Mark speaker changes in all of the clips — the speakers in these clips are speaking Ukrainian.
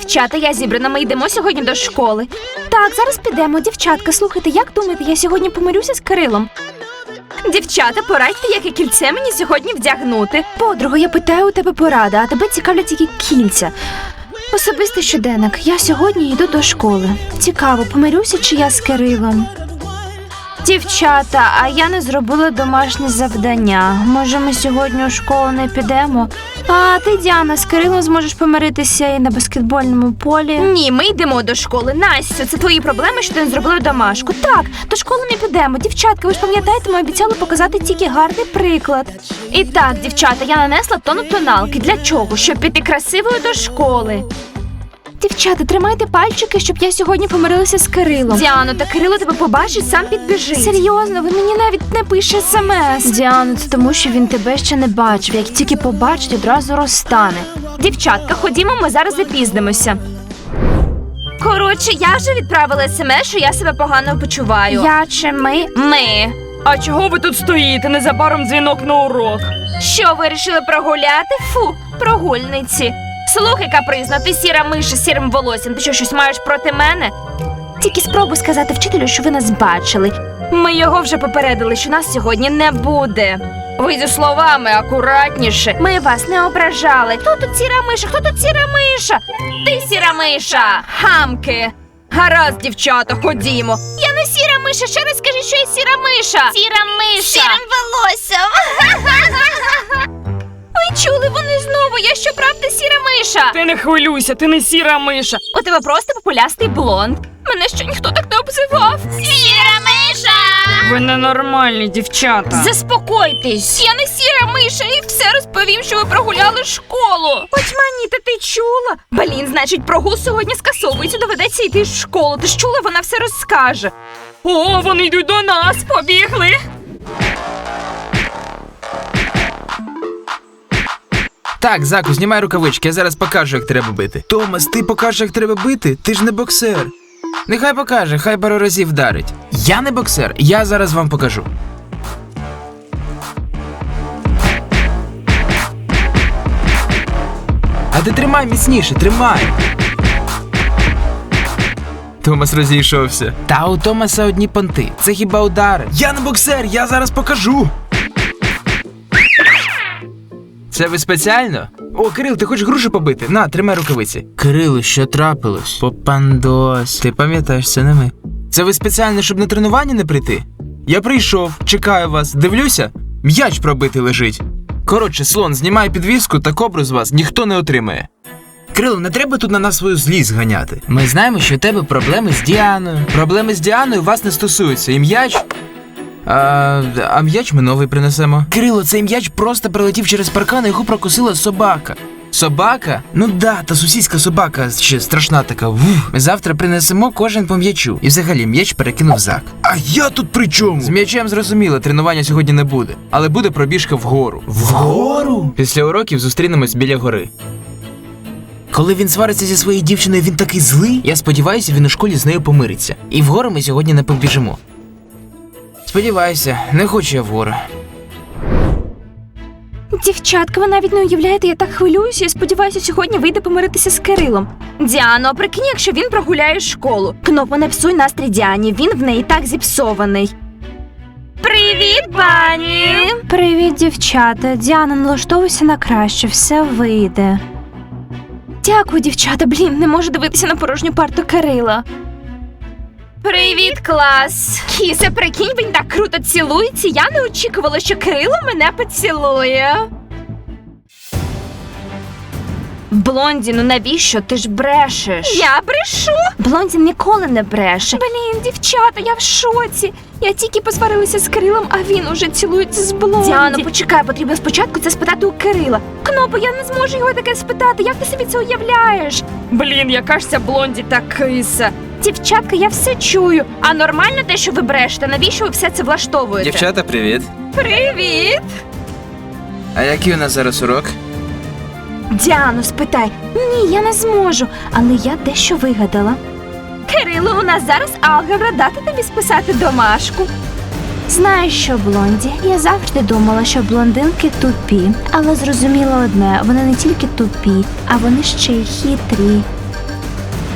Speaker 1: Дівчата, я зібрана, ми йдемо сьогодні до школи. Так, зараз підемо. Дівчатка, слухайте, як думаєте, я сьогодні помирюся з Кирилом? Дівчата, порадьте, яке кільце мені сьогодні вдягнути. Подруга, я питаю у тебе поради, а тебе цікавлять тільки кільця. Особистий щоденник. Я сьогодні йду до школи. Цікаво, помирюся чи я з Кирилом? Дівчата, а я не зробила домашнє завдання. Може, ми сьогодні у школу не підемо? А ти, Діана, з Кирилом зможеш помиритися і на баскетбольному полі? Ні, ми йдемо до школи. Настю, це твої проблеми, що ти не зробила домашку. Так, до школи ми підемо. Дівчатка, ви ж пам'ятаєте, ми обіцяли показати тільки гарний приклад. І так, дівчата, я нанесла тонну тоналки. Для чого? Щоб піти красивою до школи. Дівчата, тримайте пальчики, щоб я сьогодні помирилася з Кирилом. Діано, та Кирило тебе побачить, сам підбіжить. Серйозно, він мені навіть не пише смс. Діано, це тому, що він тебе ще не бачив. Як тільки побачить, одразу розтане. Дівчатка, ходімо, ми зараз запізнимося. Коротше, я вже відправила смс, що я себе погано почуваю. Я чи ми? Ми.
Speaker 2: А чого ви тут стоїте? Незабаром дзвінок на урок.
Speaker 1: Що, вирішили прогуляти? Фу, прогульниці. Слухай, капризна, ти сіра миша з сірим волоссям. Ти що, щось маєш проти мене? Тільки спробуй сказати вчителю, що ви нас бачили. Ми його вже попередили, що нас сьогодні не буде. Ви зі словами акуратніше. Ми вас не ображали. Хто тут сіра миша? Хто тут сіра миша? Ти сіра миша! Хамки! Гаразд, дівчата, ходімо. Я не сіра миша, ще раз скажи, що я сіра миша. Сіра миша. Сірим волоссям. Ви чули, вони знову, я щоправда сіра миша.
Speaker 2: Ти не хвилюйся, ти не сіра миша.
Speaker 1: У тебе просто популястий блонд. Мене ще ніхто так не обзивав. Сіра миша!
Speaker 2: Ви ненормальні, дівчата.
Speaker 1: Заспокойтесь. Я не сіра миша і все розповім, що ви прогуляли школу. Очманіта, ти чула? Блін, значить, прогул сьогодні скасовується, доведеться йти в школу. Ти ж чула, вона все розкаже.
Speaker 2: О, вони йдуть до нас, побігли.
Speaker 3: Так, Заку, знімай рукавички, я зараз покажу, як треба бити. Томас, ти покажеш, як треба бити? Ти ж не боксер. Нехай покаже, хай пару разів вдарить. Я не боксер, я зараз вам покажу. А ти тримай міцніше, тримай. Томас розійшовся. Та у Томаса одні понти. Це хіба удари? Я не боксер, я зараз покажу. Це ви спеціально? О, Кирил, ти хочеш грушу побити? На, тримай рукавиці. Кирилу, що трапилось? Попандос. Ти пам'ятаєш, це не ми. Це ви спеціально, щоб на тренування не прийти? Я прийшов, чекаю вас, дивлюся, м'яч пробитий лежить. Коротше, слон, знімай підвіску, та кобру з вас ніхто не отримає. Кирило, не треба тут на нас свою злість ганяти. Ми знаємо, що у тебе проблеми з Діаною. Проблеми з Діаною вас не стосуються. І м'яч... А м'яч ми новий принесемо. Кирило, цей м'яч просто прилетів через паркан, і його прокусила собака. Собака? Ну да, та сусідська собака ще страшна така. Вух. Ми завтра принесемо кожен по м'ячу. І взагалі м'яч перекинув Зак. А я тут при чому? З м'ячем зрозуміло, тренування сьогодні не буде. Але буде пробіжка вгору. Вгору? Після уроків зустрінемось біля гори. Коли він свариться зі своєю дівчиною, він такий злий. Я сподіваюся, він у школі з нею помириться. І вгору ми сьогодні не побіжимо. Сподіваюся, не хочу я вгору.
Speaker 1: Дівчатка, ви навіть не уявляєте, я так хвилююся і сподіваюся, сьогодні вийде помиритися з Кирилом. Діано, прикинь, якщо він прогуляє школу. Кнопо, не псуй настрій Діані, він в неї так зіпсований. Привіт, пані! Привіт, дівчата. Діана, налаштовуйся на краще, все вийде. Дякую, дівчата, блін, не можу дивитися на порожню парту Кирила. Привіт, клас! Кісе, прикинь, він так круто цілується. Я не очікувала, що Кирило мене поцілує. Блонді, ну навіщо? Ти ж брешеш. Я брешу? Блонді ніколи не бреше. Блін, дівчата, я в шоці. Я тільки посварилася з Кирилом, а він уже цілується з Блонді. Діано, почекай, потрібно спочатку це спитати у Кирила. Кнопо, я не зможу його таке спитати. Як ти собі це уявляєш?
Speaker 2: Блін, яка ж ця Блонді та киса.
Speaker 1: Дівчатка, я все чую. А нормально те, що ви брешете? Навіщо ви все це влаштовуєте?
Speaker 3: Дівчата, привіт.
Speaker 1: Привіт!
Speaker 3: А який у нас зараз урок?
Speaker 1: Діану, спитай. Ні, я не зможу, але я дещо вигадала. Кирило, у нас зараз алгебра, дати тобі списати домашку. Знаєш що, Блонді, я завжди думала, що блондинки тупі. Але зрозуміла одне, вони не тільки тупі, а вони ще й хитрі.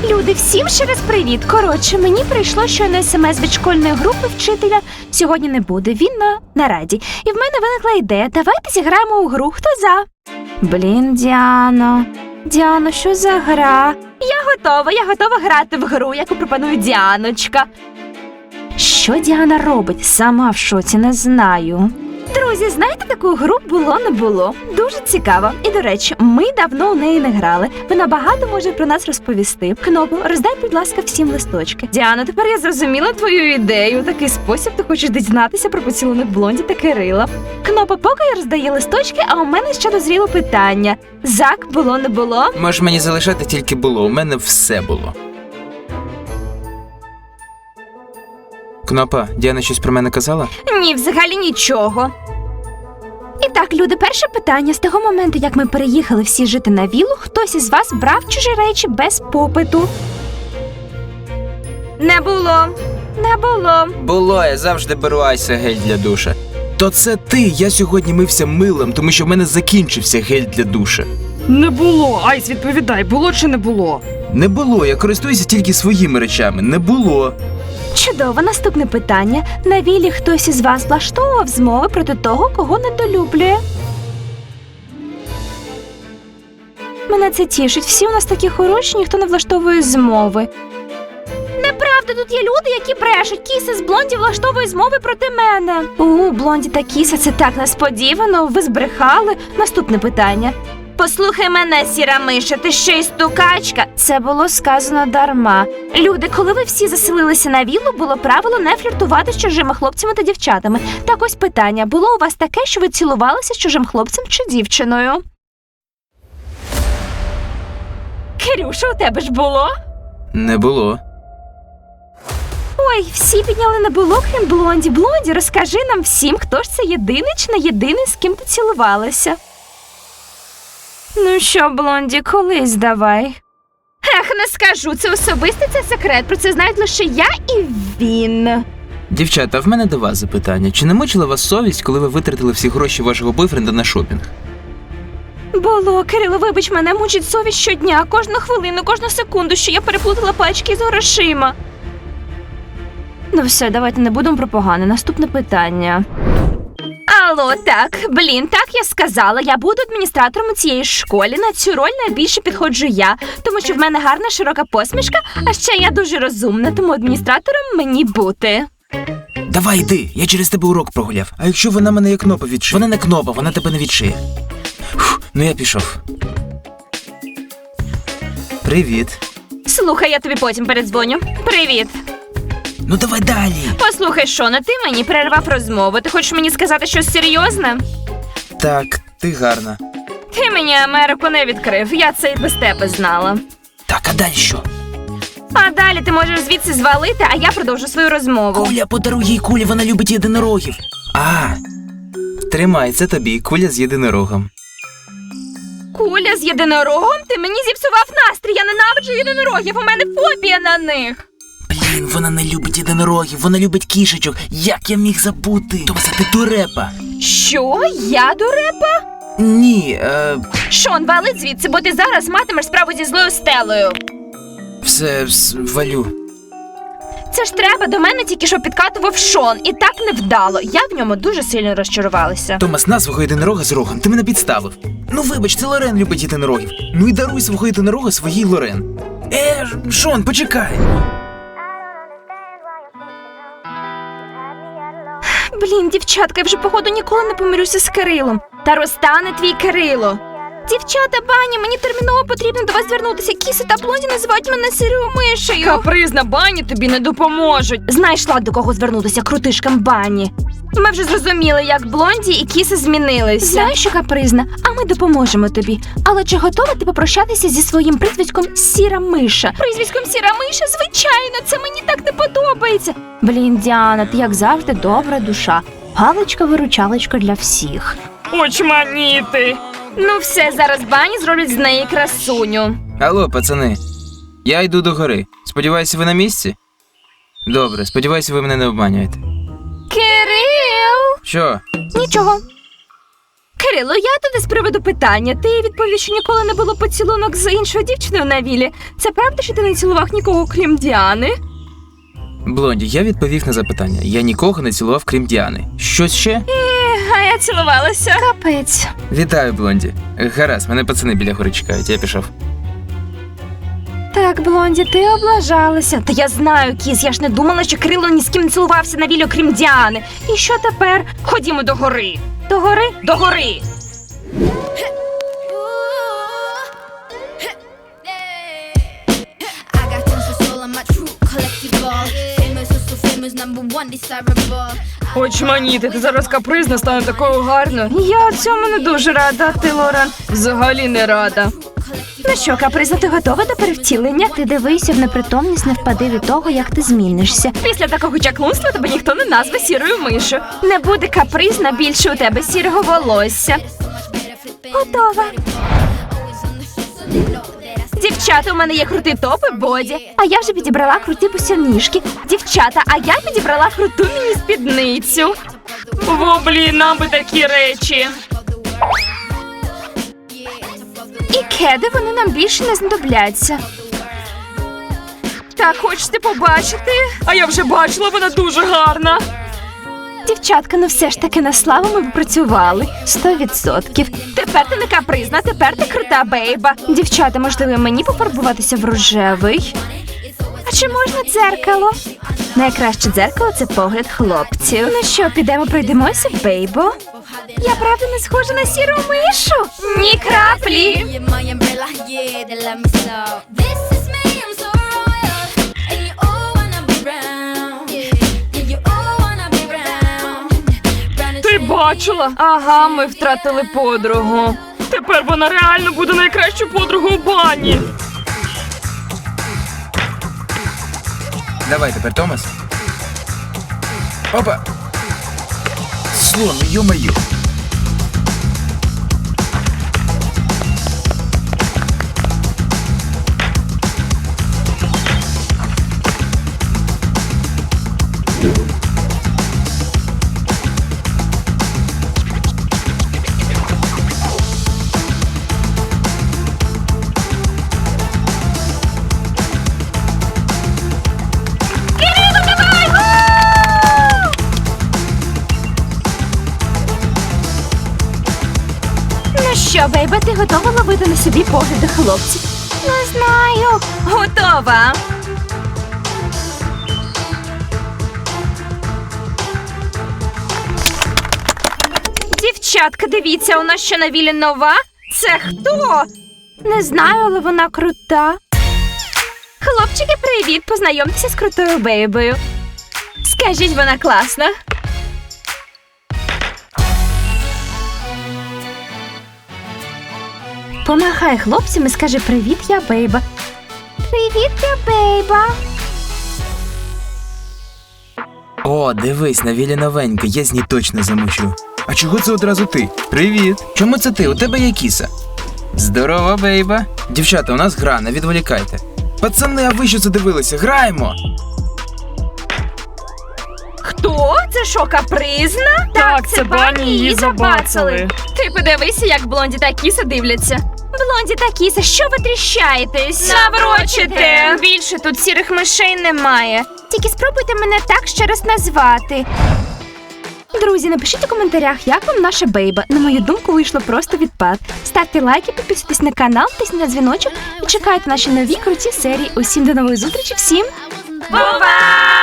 Speaker 1: Люди, всім ще раз привіт. Коротше, мені прийшло щойно смс від школьної групи вчителя. Сьогодні не буде, він на нараді. І в мене виникла ідея. Давайте зіграємо у гру. Хто за? Блін, Діано. Діано, що за гра? Я готова грати в гру, яку пропонує Діаночка. Що Діана робить? Сама в шоці, не знаю. Друзі, знаєте таку гру «Було не було»? Дуже цікаво. І, до речі, ми давно у неї не грали. Вона багато може про нас розповісти. Кнопу, роздай, будь ласка, всім листочки. Діано, тепер я зрозуміла твою ідею. У такий спосіб ти хочеш дізнатися про поцілунок Блонді та Кирила. Кнопа, поки я роздаю листочки, а у мене ще дозріло питання. Зак, було не було?
Speaker 3: Можеш мені залишати тільки було, у мене все було. Кнопа, Діана щось про мене казала?
Speaker 1: Ні, взагалі нічого. І так, люди, перше питання. З того моменту, як ми переїхали всі жити на віллу, хтось із вас брав чужі речі без попиту? Не було. Не було.
Speaker 3: Було, я завжди беру Айса гель для душа. То це ти, я сьогодні мився милом, тому що в мене закінчився гель для душа.
Speaker 2: Не було. Айс, відповідай, було чи не було?
Speaker 3: Не було, я користуюся тільки своїми речами, не було.
Speaker 1: Чудово, наступне питання. На віллі хтось із вас влаштовував змови проти того, кого недолюблює? Мене це тішить. Всі у нас такі хороші, ніхто не влаштовує змови. Неправда, тут є люди, які брешуть. Кіса з Блонді влаштовує змови проти мене. Блонді та Кіса, це так несподівано. Ви збрехали. Наступне питання. Послухай мене, сіра миша, ти ще й стукачка. Це було сказано дарма. Люди, коли ви всі заселилися на віллу, було правило не фліртувати з чужими хлопцями та дівчатами. Так ось питання. Було у вас таке, що ви цілувалися з чужим хлопцем чи дівчиною? Кирюша, у тебе ж було?
Speaker 3: Не було.
Speaker 1: Ой, всі підняли не було, крім Блонді. Блонді, розкажи нам всім, хто ж це єдиний чи не єдиний, з ким ти цілувалася. Ну що, Блонді, колись давай. Ех, не скажу, це особистий, це секрет, про це знають лише я і він.
Speaker 3: Дівчата, в мене до вас запитання. Чи не мучила вас совість, коли ви витратили всі гроші вашого бойфренда на шопінг?
Speaker 1: Було, Кирило, вибач, мене мучить совість щодня, кожну хвилину, кожну секунду, що я переплутала пачки з грошима. Ну все, давайте не будемо про погане. Наступне питання. Алло, так, так я сказала, я буду адміністратором у цієї школі. На цю роль найбільше підходжу я, тому що в мене гарна широка посмішка, а ще я дуже розумна, тому адміністратором мені бути.
Speaker 3: Давай йди, я через тебе урок прогуляв. А якщо вона мене як кнопа відшиє? Вона не кнопа, вона тебе не відшиє. Ну я пішов. Привіт.
Speaker 1: Слухай, я тобі потім передзвоню. Привіт.
Speaker 3: Ну давай далі.
Speaker 1: Послухай, Шона, ти мені перервав розмову. Ти хочеш мені сказати щось серйозне?
Speaker 3: Так, ти гарна.
Speaker 1: Ти мені Америку не відкрив, я це і без тебе знала.
Speaker 3: Так, а далі що?
Speaker 1: А далі ти можеш звідси звалити, а я продовжу свою розмову.
Speaker 3: Куля, подаруй їй Кулі, вона любить єдинорогів. Тримай, це тобі, Куля з єдинорогом.
Speaker 1: Куля з єдинорогом? Ти мені зіпсував настрій, я ненавиджу єдинорогів, у мене фобія на них.
Speaker 3: Блін, вона не любить єдинорогів, вона любить кішечок. Як я міг забути? Тобто ти дурепа.
Speaker 1: Що? Я дурепа?
Speaker 3: Ні,
Speaker 1: Шон, вали звідси, бо ти зараз матимеш справу зі злою Стелою.
Speaker 3: все, валю.
Speaker 1: Це ж треба, до мене тільки що підкатував Шон, і так невдало. Я в ньому дуже сильно розчарувалася.
Speaker 3: Томас, на свого єдинорога з рогом, ти мене підставив. Ну вибач, це Лорен любить єдинорогів. Ну і даруй свого єдинорога своїй Лорен. Шон, почекай.
Speaker 1: Блін, дівчатка, я вже походу ніколи не помирюся з Кирилом. Та розтане твій Кирило. Дівчата, Бані, мені терміново потрібно до вас звернутися. Кіси та Блонді називають мене сірою мишею.
Speaker 2: Капризна Бані тобі не допоможуть.
Speaker 1: Знайшла до кого звернутися крутишкам Бані. Ми вже зрозуміли, як Блонді і Кіси змінилися. Знаєш, що капризна, а ми допоможемо тобі. Але чи готова ти попрощатися зі своїм прізвиськом Сіра Миша? Прізвиськом Сіра Миша? Звичайно, це мені так не подобається. Блін, Діана, ти як завжди добра душа. Галочка-виручалочка для всіх.
Speaker 2: Очманіти.
Speaker 1: Ну все, зараз Бані зроблять з неї красуню.
Speaker 3: Алло, пацани. Я йду до гори. Сподіваюся, ви на місці? Добре, сподіваюся, ви мене не обманюєте.
Speaker 1: Кирил!
Speaker 3: Що?
Speaker 1: Нічого. Кирило, я туди з приводу питання. Ти відповів, що ніколи не було поцілунок з іншою дівчиною на вілі. Це правда, що ти не цілував нікого, крім Діани?
Speaker 3: Блонді, я відповів на запитання. Я нікого не цілував, крім Діани. Щось ще?
Speaker 1: А я цілувалася. Капець.
Speaker 3: Вітаю, Блонді. Гаразд, мене пацани біля гори чекають, я пішов.
Speaker 1: Так, Блонді, ти облажалася. Та я знаю, Кіз, я ж не думала, що Кирило ні з ким не цілувався на вілі, окрім Діани. І що тепер? Ходімо до гори. До гори? До гори!
Speaker 4: I got tons of soul on my true collective ball. Famous, so famous, #1 desirable.
Speaker 2: Очманіти, ти зараз капризна, стане такою гарною.
Speaker 1: Я цьому не дуже рада, а ти, Лорен.
Speaker 2: Взагалі не рада.
Speaker 1: Ну що, каприза, ти готова до перевтілення? Ти дивися в непритомність, не впади від того, як ти змінишся. Після такого чаклунства тебе ніхто не назве сірою мишу. Не буде капризна, більше у тебе сірого волосся. Готова. Дівчата, у мене є крутий топ і боді. А я вже підібрала круті босоніжки. Дівчата, а я підібрала круту міні-спідницю.
Speaker 2: О, блін, нам би такі речі.
Speaker 1: І кеди, вони нам більше не знадобляться. Так, хочете побачити?
Speaker 2: А я вже бачила, вона дуже гарна.
Speaker 1: Дівчатка, ну все ж таки на славу ми попрацювали. 100%. Тепер ти не капризна, тепер ти крута бейба. Дівчата, можливо, мені пофарбуватися в рожевий? А чи можна дзеркало? Найкраще дзеркало – це погляд хлопців. Ну що, підемо пройдемося, бейбо? Я правда не схожа на сіру мишу? Ні краплі!
Speaker 4: You're my umbrella, yeah, they love me so. This is me, I'm so royal. And you all wanna be round. Yeah, you all wanna be round. Round and
Speaker 2: Ти бачила? Ага, ми втратили подругу. Тепер вона реально буде найкращою подругою у бані.
Speaker 3: Давай тепер, Томас. Опа! Слон, ё-моё!
Speaker 1: Ну що, бейба, ти готова ловити на собі погляди хлопців? Не знаю. Готова. Дівчатка, дивіться, у нас що на вілі нова? Це хто? Не знаю, але вона крута. Хлопчики, привіт! Познайомтеся з крутою бейбою. Скажіть, вона класна. Помахай хлопцям і скажи привіт, я бейба. Привіт, я бейба.
Speaker 3: О, дивись, на вілі новенька, я з ній точно замучу. А чого це одразу ти? Привіт! Чому це ти? У тебе є кіса. Здорова, бейба. Дівчата, у нас гра, не відволікайте. Пацани, а ви що задивилися? Граємо!
Speaker 1: Хто? Це що, капризна?
Speaker 2: Так, це Бані, її забацали.
Speaker 1: Ти подивися, як Блонді та Кіса дивляться. Блонді та Кіса, що ви тріщаєтесь? Наврочите! Більше тут сірих мишей немає. Тільки спробуйте мене так ще раз назвати. Друзі, напишіть у коментарях, як вам наша бейба. На мою думку, вийшло просто відпад. Ставте лайки, підписуйтесь на канал, тисніть на дзвіночок і чекайте наші нові круті серії. Усім до нової зустрічі, всім! Бувай!